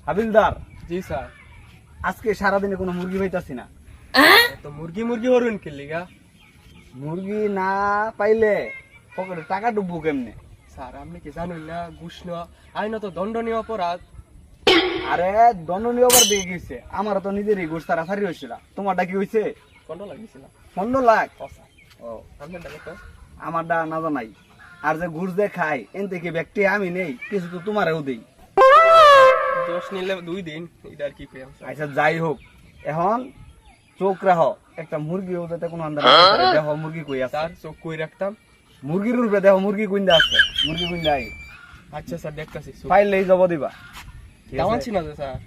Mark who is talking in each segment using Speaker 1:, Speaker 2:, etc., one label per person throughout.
Speaker 1: হাবিলদার,
Speaker 2: জি স্যার।
Speaker 1: আজকে সারাদিনে কোনো মুরগি পাইতাছি না।
Speaker 2: তো মুরগি হরুন কি লিগা?
Speaker 1: মুরগি না পাইলে পকেটে টাকা ডুববো কেমনে?
Speaker 2: স্যার আপনি কি জানেন না ঘুষ নেওয়া আইনত দণ্ডনীয় অপরাধ?
Speaker 1: আরে দণ্ডনীয় আবার দিয়ে গেছে, আমার তো নিজেরই ঘুষ তাড়াতাড়ি হয়েছিল। তোমারটা কি হয়েছে?
Speaker 2: কত লাগিয়েছিলাম?
Speaker 1: 15 লাখ।
Speaker 2: ও স্যার,
Speaker 1: ও,
Speaker 2: আপনার টাকা তো
Speaker 1: আমারটা না জানাই। আর যে ঘুষ দিয়ে খাই এন থেকে ব্যক্তি আমি নেই, কিছু তো তোমারও দেই।
Speaker 2: 10 নিলে 2 দিন, এটা আর কি পেলাম স্যার।
Speaker 1: আচ্ছা যাই হোক, এখন চোখ রাখ, একটা মুরগি যাতে কোনো আন্দাজ দেখো মুরগি কই আছে।
Speaker 2: স্যার চোখ কই রাখতাম।
Speaker 1: মুরগির রূপে দেখো মুরগি কুইন্দা আছে, মুরগি কুইন্দা আই
Speaker 2: আচ্ছা স্যার দেখতাছি।
Speaker 1: পাইলেই জব দিবা। ঠিক
Speaker 2: কেমন
Speaker 1: আছে?
Speaker 2: ছিল যে স্যার?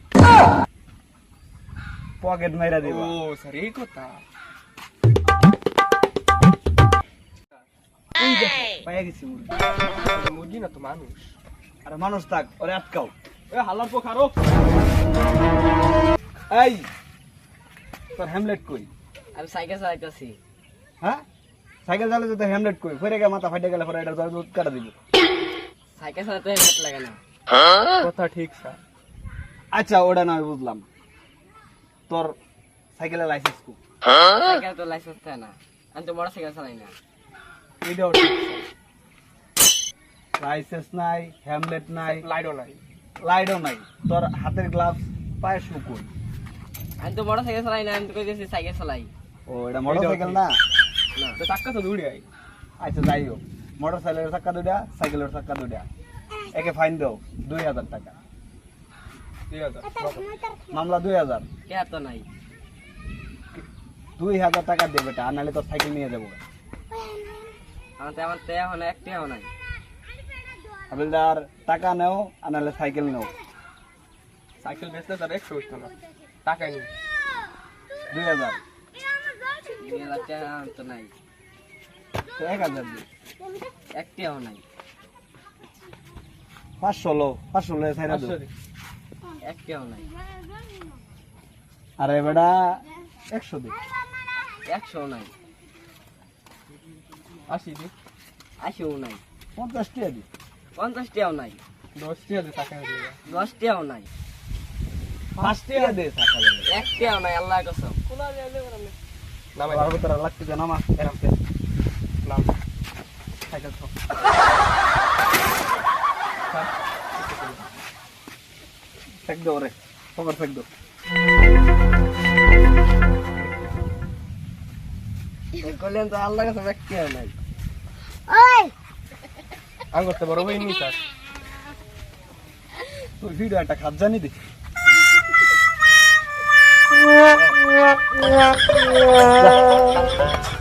Speaker 1: পকেট মাইরা দিবা।
Speaker 2: ও স্যার এই কথা।
Speaker 1: ওই দেখো, পাইয়া গেছি মুরগি।
Speaker 2: মুরগি না তো মানুষ।
Speaker 1: আরে মানুষ থাক, ওরে আটকাও।
Speaker 2: এ হালার পো খারো।
Speaker 1: এই তোর হ্যামলেট কই?
Speaker 3: আমি সাইকেল চালাইতেছি।
Speaker 1: হ্যাঁ, সাইকেল চালাতে তো হ্যামলেট কই? ফেরে গিয়ে মাথা ফাইটে গেলে পরে এটা দুধ কাটা দিব।
Speaker 3: সাইকেল চালাতে হেলমেট লাগে না।
Speaker 2: কথা ঠিক স্যার।
Speaker 1: আচ্ছা ওটা নয় বুঝলাম, তোর সাইকেলের লাইসেন্স কো?
Speaker 3: সাইকেল তো লাইসেন্স থাকে না, আমি তো মোটর সাইকেল চালাই না।
Speaker 2: এটাও ঠিক স্যার।
Speaker 1: লাইসেন্স নাই, হ্যামলেট নাই,
Speaker 2: লাইটও নাই।
Speaker 1: লাইটও নাই, তোর হাতের গ্লাভস, পায়ের শু কই?
Speaker 3: আমি তো মোটর সাইকেল চালাই না, আমি তো কইতেছি সাইকেল চালাই
Speaker 1: ও এটা মোটরসাইকেল না?
Speaker 3: না।
Speaker 2: তো চাক্কা তো দৌড়ে আই।
Speaker 1: আচ্ছা যাই হোক, মোটরসাইকেলের চাক্কা দুইটা, সাইকেলের চাক্কা দুইটা, একে ফাইন দাও 2000 টাকা।
Speaker 2: 2000
Speaker 1: মামলা 2000।
Speaker 3: কে তো নাই।
Speaker 1: 2000 টাকা দে বেটা, আর নাহলে তোর সাইকেল নিয়ে যাবো।
Speaker 3: আমার তো এখন একটিও নাই।
Speaker 1: হাবিলদার টাকা নেও, আর নাহলে সাইকেল নেও।
Speaker 2: সাইকেল বেচলে তার 100 হইতো না, টাকাই নেই।
Speaker 1: 2000
Speaker 3: 2,000 টাকা আমার তো নাই,
Speaker 1: তো 1000 দে।
Speaker 3: একটিও নাই,
Speaker 1: 500 লো, 500 লো ছাইরা দে।
Speaker 2: 500 দি।
Speaker 3: একটিও নাই,
Speaker 1: আরে বেটা 100 দে।
Speaker 3: 100 নাই,
Speaker 2: 80 দি।
Speaker 3: 80 নাই,
Speaker 1: 50 টাকা দি।
Speaker 3: 50 টাকাও নাই,
Speaker 2: 10 টাকা দি টাকা দিয়ে।
Speaker 3: 10 টাকাও নাই,
Speaker 1: 5 টাকা দে সাইকেল।
Speaker 3: একটিও নাই, আল্লাহ কসম।
Speaker 2: নামাই
Speaker 1: আর ভিতরে লাগতে দে, নামা এরকম
Speaker 2: নাম।
Speaker 1: সাইকেল তো ফেক দো রে, পকেট ফেক দো।
Speaker 3: কইলেন তো আল্লাহ কসম একটিও নাই।
Speaker 2: আম করতে বড় হইনি স্যার।
Speaker 1: তুই ভিডিও একটা খাপ জানি দে।